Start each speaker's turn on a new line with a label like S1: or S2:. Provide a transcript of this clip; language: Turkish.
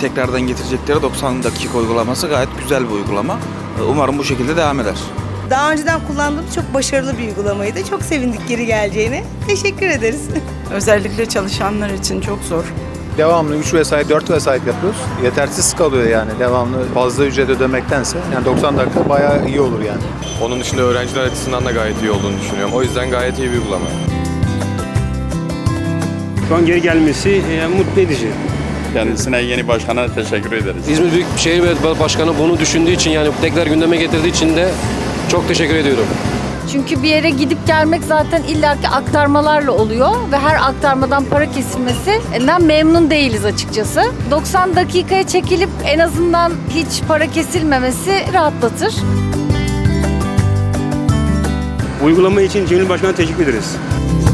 S1: tekrardan getirecekleri 90 dakika uygulaması gayet güzel bir uygulama. Umarım bu şekilde devam eder.
S2: Daha önceden kullandığım çok başarılı bir uygulamaydı. Çok sevindik geri geleceğine. Teşekkür ederiz.
S3: Özellikle çalışanlar için çok zor.
S4: Devamlı 3 vesait, 4 vesait yapıyoruz. Yetersiz kalıyor yani devamlı fazla ücret ödemektense. Yani 90 dakika bayağı iyi olur yani.
S5: Onun dışında öğrenciler açısından da gayet iyi olduğunu düşünüyorum. O yüzden gayet iyi bir uygulama.
S6: Şu an geri gelmesi mutlu edici.
S7: Kendisine, yeni başkana teşekkür ederiz.
S8: İzmir Büyükşehir Belediye Başkanı bunu düşündüğü için, yani tekrar gündeme getirdiği için de çok teşekkür ediyorum.
S9: Çünkü bir yere gidip gelmek zaten illaki aktarmalarla oluyor ve her aktarmadan para kesilmesinden memnun değiliz açıkçası. 90 dakikaya çekilip en azından hiç para kesilmemesi rahatlatır.
S6: Uygulama için Cemil Başkan'a teşekkür ederiz.